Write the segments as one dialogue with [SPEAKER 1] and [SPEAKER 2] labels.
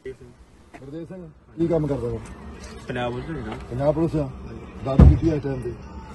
[SPEAKER 1] ਗੁਰਦੇਵ ਸਿੰਘ ਕੀ ਕੰਮ ਕਰਦਾ ਵਾ?
[SPEAKER 2] ਪੰਜਾਬ ਪੁਲਿਸ ਨਾ
[SPEAKER 1] ਪੰਜਾਬ ਪੁਲਿਸ ਆ ਦੱਸ ਕੀਤੀ ਇਸ ਟਾਈਮ ਤੇ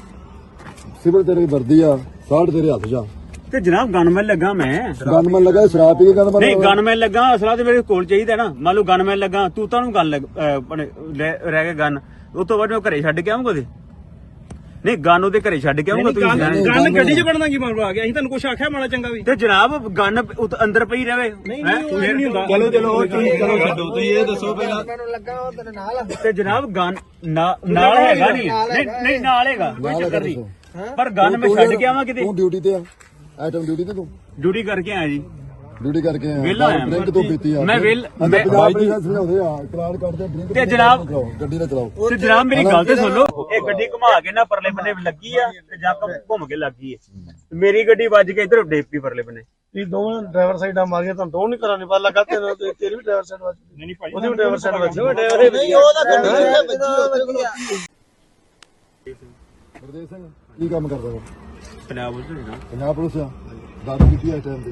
[SPEAKER 1] ਸਿਵਲ ਤੇਰੀ ਵਰਦੀ ਆ ਸਾਢ ਤੇਰੇ ਹੱਥ ਜਾ
[SPEAKER 2] ਤੇ ਜਨਾਬ ਗਨਮੈਨ ਲੱਗਾ ਮੈਂ
[SPEAKER 1] ਗਨਮੈਨ ਲੱਗਾ ਸ਼ਰਾਬ ਪੀ ਕੇ ਕਹਿੰਦਾ
[SPEAKER 2] ਨਹੀਂ ਗਨਮੈਨ ਲੱਗਾ ਅਸਲਾ ਤੇ ਮੇਰੇ ਕੋਲ ਚਾਹੀਦਾ ਨਾ ਮੰਨ ਲਓ ਗਨਮੈਨ ਲੱਗਾ ਤੂੰ ਤੁਹਾਨੂੰ ਗੱਲ ਰਹਿ ਕੇ ਗਨ ਉਸ ਤੋਂ ਬਾਅਦ ਮੈਂ ਘਰੇ ਛੱਡ ਕੇ ਆਉਂਗਾ ਉਹਦੇ ਨਹੀਂ ਗਨ ਉਹਦੇ ਘਰੇ ਛੱਡ ਕੇ ਆਉਂਗਾ ਤੁਸੀਂ
[SPEAKER 3] ਗਨ ਗੱਡੀ 'ਚ ਵੜਨਾ ਕੀ ਮਾਮਲਾ ਆ ਗਿਆ ਅਸੀਂ ਤੁਹਾਨੂੰ ਕੁਛ ਆਖਿਆ ਮਾੜਾ ਚੰਗਾ ਵੀ
[SPEAKER 2] ਤੇ ਜਨਾਬ ਗਨ ਅੰਦਰ ਪਈ ਰਵੇ
[SPEAKER 3] ਨਹੀਂ ਨਹੀਂ ਹੁੰਦਾ
[SPEAKER 4] ਚਲੋ ਚਲੋ ਚਲੋ ਛੱਡੋ ਤੁਸੀਂ ਇਹ ਦੱਸੋ ਪਹਿਲਾਂ
[SPEAKER 5] ਮੈਨੂੰ ਲੱਗਾ ਉਹ ਤੇਰੇ ਨਾਲ
[SPEAKER 2] ਤੇ ਜਨਾਬ ਗਨ ਨਾਲ ਹੈਗਾ ਨਹੀਂ ਨਾਲ ਹੈਗਾ ਕੋਈ ਚੱਕਰ ਨਹੀਂ ਪਰ ਗਨ ਮੈਂ ਛੱਡ ਕੇ ਆਵਾਂ ਕਿਤੇ
[SPEAKER 1] ਤੂੰ ਡਿਊਟੀ ਤੇ ਆ ਆਈਟਮ ਡਿਊਟੀ ਤੇ ਤੂੰ
[SPEAKER 2] ਡਿਊਟੀ ਕਰਕੇ ਆਇਆ ਜੀ
[SPEAKER 1] ਡਿਊਟੀ ਕਰਕੇ
[SPEAKER 2] ਵਿਹਲਾ
[SPEAKER 1] ਆਇਆ
[SPEAKER 2] ਆਇਆ
[SPEAKER 1] ਡਰਿੰਕ ਤੋਂ ਪੀਤੀ ਆ
[SPEAKER 2] ਮੈਂ
[SPEAKER 1] ਪੰਜਾਬ ਪੁਲਿਸ ਸਮਝਾਉਂਦੇ ਆ ਚਲਾਨ ਕਰਦੇ ਡਰਿੰਕ
[SPEAKER 2] ਤੇ ਜਨਾਬ
[SPEAKER 1] ਗੱਡੀ ਨਾ ਚਲਾਓ
[SPEAKER 2] ਤੇ ਜਨਾਬ ਮੇਰੀ ਗੱਲ ਤੇ ਸੁਣ ਲਓ ਇਹ ਗੱਡੀ ਘੁਮਾ ਕੇ ਨਾ ਪਰਲੇ ਬੰਨੇ ਲੱਗੀ ਆ ਤੇ ਜਾ ਕੇ ਘੁੰਮ ਕੇ ਲੱਗੀ ਹੈ ਮੇਰੀ ਗੱਡੀ ਵੱਜ ਕੇ ਇਧਰ ਡੇਪੀ ਪਰਲੇ ਬੰਨੇ
[SPEAKER 3] ਇਹ ਦੋਵੇਂ ਡਰਾਈਵਰ ਸਾਈਡਾਂ ਮਾਰੀਆਂ ਤੁਹਾਨੂੰ ਦੋ ਨਹੀਂ ਕਰਾਣੀ ਪਤਾ ਲੱਗਾ ਤੈਨੂੰ ਤੇਰੀ ਵੀ ਡਰਾਈਵਰ ਸਾਈਡ ਵੱਜ ਨਹੀਂ ਭਾਈ ਉਹਦੀ ਵੀ ਡਰਾਈਵਰ ਸਾਈਡ ਵੱਜ ਡਰਾਈਵਰ
[SPEAKER 5] ਨਹੀਂ ਉਹਦਾ ਗੱਡੀ ਵੱਜੀ
[SPEAKER 1] ਗੁਰਦੇਵ ਸਿੰਘ ਕੀ ਕੰਮ ਕਰਦਾ ਵਾ?
[SPEAKER 2] ਪੰਜਾਬ ਪੁਲਿਸ ਨਾ
[SPEAKER 1] ਪੰਜਾਬ ਪੁਲਿਸ ਆ ਦੱਸ ਕੀਤੀ ਇਸ ਟਾਈਮ ਤੇ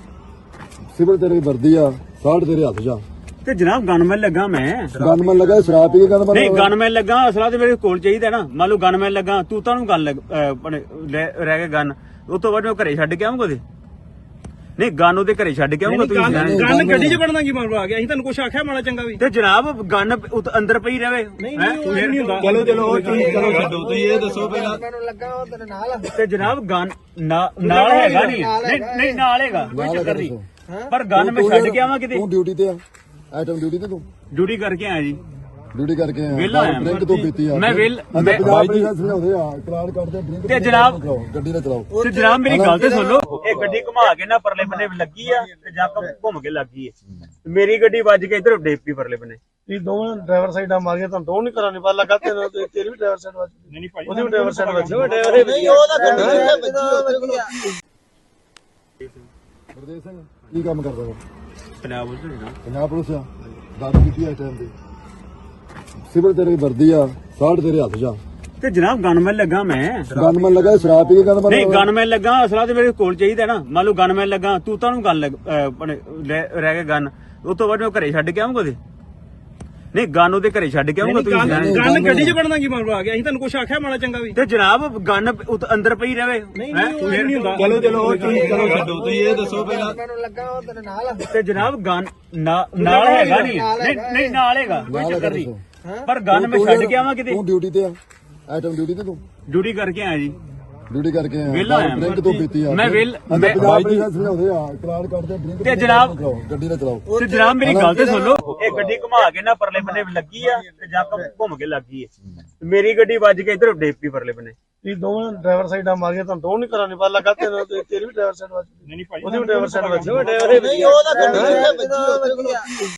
[SPEAKER 1] ਸਿਵਲ ਤੇਰੀ ਵਰਦੀ ਆ ਸਾਢ ਤੇਰੇ ਹੱਥ ਜਾ
[SPEAKER 2] ਤੇ ਜਨਾਬ ਗਨਮੈਨ ਲੱਗਾ ਮੈਂ
[SPEAKER 1] ਗਨਮੈਨ ਲੱਗਾ ਸ਼ਰਾਬ ਪੀ ਕੇ ਕਹਿੰਦਾ
[SPEAKER 2] ਨਹੀਂ ਗਨਮੈਨ ਲੱਗਾ ਅਸਲਾ ਤੇ ਮੇਰੇ ਕੋਲ ਚਾਹੀਦਾ ਨਾ ਮੰਨ ਲਓ ਗਨਮੈਨ ਲੱਗਾ ਤੂੰ ਤੁਹਾਨੂੰ ਗੱਲ ਰਹਿ ਕੇ ਗਨ ਉਸ ਤੋਂ ਬਾਅਦ ਮੈਂ ਘਰੇ ਛੱਡ ਕੇ ਆਉਂਗਾ ਉਹਦੇ ਨਹੀਂ ਗਨ ਉਹਦੇ ਘਰੇ ਛੱਡ ਕੇ ਆਉਂਗਾ ਤੁਸੀਂ
[SPEAKER 3] ਗਨ ਗੱਡੀ 'ਚ ਵੜਨਾ ਕੀ ਮਾਮਲਾ ਆ ਗਿਆ ਅਸੀਂ ਤੁਹਾਨੂੰ ਕੁਛ ਆਖਿਆ ਮਾੜਾ ਚੰਗਾ ਵੀ
[SPEAKER 2] ਤੇ ਜਨਾਬ ਗਨ ਅੰਦਰ ਪਈ ਰਵੇ
[SPEAKER 3] ਨਹੀਂ ਨਹੀਂ ਹੁੰਦਾ
[SPEAKER 4] ਚਲੋ ਚਲੋ ਚਲੋ ਛੱਡੋ ਤੁਸੀਂ ਇਹ ਦੱਸੋ ਪਹਿਲਾਂ
[SPEAKER 5] ਮੈਨੂੰ ਲੱਗਾ ਉਹ ਤੇਰੇ ਨਾਲ
[SPEAKER 2] ਤੇ ਜਨਾਬ ਗਨ ਨਾਲ ਹੈਗਾ ਨਹੀਂ ਨਾਲ ਹੈਗਾ ਕੋਈ ਚੱਕਰ ਨਹੀਂ ਪਰ ਗਨ ਮੈਂ ਛੱਡ ਕੇ ਆਵਾਂ ਕਿਤੇ
[SPEAKER 1] ਤੂੰ ਡਿਊਟੀ ਤੇ ਆ ਆਈਟਮ ਡਿਊਟੀ ਤੇ ਤੂੰ
[SPEAKER 2] ਡਿਊਟੀ ਕਰਕੇ ਆਇਆ ਜੀ
[SPEAKER 1] ਡਿਊਟੀ ਕਰਕੇ
[SPEAKER 2] ਵਿਹਲਾ
[SPEAKER 1] ਆਇਆ
[SPEAKER 2] ਆਇਆ
[SPEAKER 1] ਡਰਿੰਕ ਤੋਂ ਪੀਤੀ ਆ
[SPEAKER 2] ਮੈਂ
[SPEAKER 1] ਪੰਜਾਬ ਪੁਲਿਸ ਸਮਝਾਉਂਦੇ ਆ ਚਲਾਨ ਕਰਦੇ ਡਰਿੰਕ
[SPEAKER 2] ਤੇ ਜਨਾਬ
[SPEAKER 1] ਗੱਡੀ ਨਾ ਚਲਾਓ
[SPEAKER 2] ਤੇ ਜਨਾਬ ਮੇਰੀ ਗੱਲ ਤੇ ਸੁਣ ਲਓ ਇਹ ਗੱਡੀ ਘੁਮਾ ਕੇ ਨਾ ਪਰਲੇ ਬੰਨੇ ਲੱਗੀ ਆ ਤੇ ਜਾ ਕੇ ਘੁੰਮ ਕੇ ਲੱਗੀ ਹੈ ਮੇਰੀ ਗੱਡੀ ਵੱਜ ਕੇ ਇਧਰ ਡੇਪੀ ਪਰਲੇ ਬੰਨੇ
[SPEAKER 3] ਇਹ ਦੋਵੇਂ ਡਰਾਈਵਰ ਸਾਈਡਾਂ ਮਾਰੀਆਂ ਤੁਹਾਨੂੰ ਦੋ ਨਹੀਂ ਕਰਾਣੀ ਪਤਾ ਲੱਗਾ ਤੈਨੂੰ ਤੇਰੀ ਵੀ ਡਰਾਈਵਰ ਸਾਈਡ ਵੱਜ ਨਹੀਂ ਭਾਈ ਉਹਦੀ ਵੀ ਡਰਾਈਵਰ ਸਾਈਡ ਵੱਜ
[SPEAKER 5] ਨਹੀਂ ਉਹਦਾ ਗੱਡੀ ਵੱਜੀ
[SPEAKER 1] ਗੁਰਦੇਵ ਸਿੰਘ ਕੀ ਕੰਮ ਕਰਦਾ ਵਾ?
[SPEAKER 2] ਪੰਜਾਬ ਪੁਲਿਸ ਨਾ
[SPEAKER 1] ਪੰਜਾਬ ਪੁਲਿਸ ਆ ਦੱਸ ਕੀਤੀ ਇਸ ਟਾਈਮ ਤੇ ਸਿਵਲ ਤੇਰੀ ਵਰਦੀ ਆ ਸਾਢ ਤੇਰੇ ਹੱਥ ਜਾ
[SPEAKER 2] ਤੇ ਜਨਾਬ ਗਨਮੈਨ ਲੱਗਾ ਮੈਂ
[SPEAKER 1] ਗਨਮੈਨ ਲੱਗਾ ਸ਼ਰਾਬ ਪੀ ਕੇ ਕਹਿੰਦਾ
[SPEAKER 2] ਨਹੀਂ ਗਨਮੈਨ ਲੱਗਾ ਅਸਲਾ ਤੇ ਮੇਰੇ ਕੋਲ ਚਾਹੀਦਾ ਨਾ ਮੰਨ ਲਓ ਗਨਮੈਨ ਲੱਗਾ ਤੂੰ ਤੁਹਾਨੂੰ ਗੱਲ ਰਹਿ ਕੇ ਗਨ ਉਸ ਤੋਂ ਬਾਅਦ ਮੈਂ ਘਰੇ ਛੱਡ ਕੇ ਆਉਂਗਾ ਉਹਦੇ ਨਹੀਂ ਗਨ ਉਹਦੇ ਘਰੇ ਛੱਡ ਕੇ ਆਉਂਗਾ ਤੁਸੀਂ
[SPEAKER 3] ਗਨ ਗੱਡੀ 'ਚ ਵੜਨਾ ਕੀ ਮਾਮਲਾ ਆ ਗਿਆ ਅਸੀਂ ਤੁਹਾਨੂੰ ਕੁਛ ਆਖਿਆ ਮਾੜਾ ਚੰਗਾ ਵੀ
[SPEAKER 2] ਤੇ ਜਨਾਬ ਗਨ ਅੰਦਰ ਪਈ ਰਵੇ
[SPEAKER 3] ਨਹੀਂ ਨਹੀਂ ਹੁੰਦਾ
[SPEAKER 4] ਚਲੋ ਚਲੋ ਚਲੋ ਛੱਡੋ ਤੁਸੀਂ ਇਹ ਦੱਸੋ ਪਹਿਲਾਂ
[SPEAKER 5] ਮੈਨੂੰ ਲੱਗਾ ਉਹ ਤੇਰੇ ਨਾਲ
[SPEAKER 2] ਤੇ ਜਨਾਬ ਗਨ ਨਾਲ ਹੈਗਾ ਨਹੀਂ ਨਾਲ ਹੈਗਾ ਕੋਈ ਚੱਕਰ ਨਹੀਂ ਪਰ ਗਨ ਮੈਂ ਛੱਡ ਕੇ ਆਵਾਂ ਕਿਤੇ
[SPEAKER 1] ਤੂੰ ਡਿਊਟੀ ਤੇ ਆ ਆਈਟਮ ਡਿਊਟੀ ਤੇ ਤੂੰ
[SPEAKER 2] ਡਿਊਟੀ ਕਰਕੇ ਆਇਆ ਜੀ
[SPEAKER 1] ਡਿਊਟੀ ਕਰਕੇ
[SPEAKER 2] ਵਿਹਲਾ
[SPEAKER 1] ਆਇਆ
[SPEAKER 2] ਆਇਆ
[SPEAKER 1] ਡਰਿੰਕ ਤੋਂ ਪੀਤੀ ਆ ਪੰਜਾਬ ਪੁਲਿਸ ਸਮਝਾਉਂਦੇ ਆ ਚਲਾਨ ਕਰਦੇ ਡਰਿੰਕ
[SPEAKER 2] ਤੇ ਜਨਾਬ
[SPEAKER 1] ਗੱਡੀ ਨਾ ਚਲਾਓ
[SPEAKER 2] ਤੇ ਜਨਾਬ ਮੇਰੀ ਗੱਲ ਤੇ ਸੁਣ ਲਓ ਇਹ ਗੱਡੀ ਘੁਮਾ ਕੇ ਨਾ ਪਰਲੇ ਬੰਨੇ ਲੱਗੀ ਆ ਤੇ ਜਾ ਕੇ ਘੁੰਮ ਕੇ ਲੱਗੀ ਹੈ ਮੇਰੀ ਗੱਡੀ ਵੱਜ ਕੇ ਇਧਰ ਡੇਪੀ ਪਰਲੇ ਬੰਨੇ
[SPEAKER 3] ਇਹ ਦੋਵੇਂ ਡਰਾਈਵਰ ਸਾਈਡਾਂ ਮਾਰੀਆਂ ਤੁਹਾਨੂੰ ਦੋ ਨਹੀਂ ਕਰਾਣੀ ਪਤਾ ਲੱਗਾ ਤੈਨੂੰ ਤੇਰੀ ਵੀ ਡਰਾਈਵਰ ਸਾਈਡ ਵੱਜ ਨਹੀਂ ਭਾਈ ਉਹਦੀ ਵੀ ਡਰਾਈਵਰ ਸਾਈਡ ਵੱਜ
[SPEAKER 5] ਨਹੀਂ ਉਹਦਾ ਗੱਡੀ ਵੱਜੀ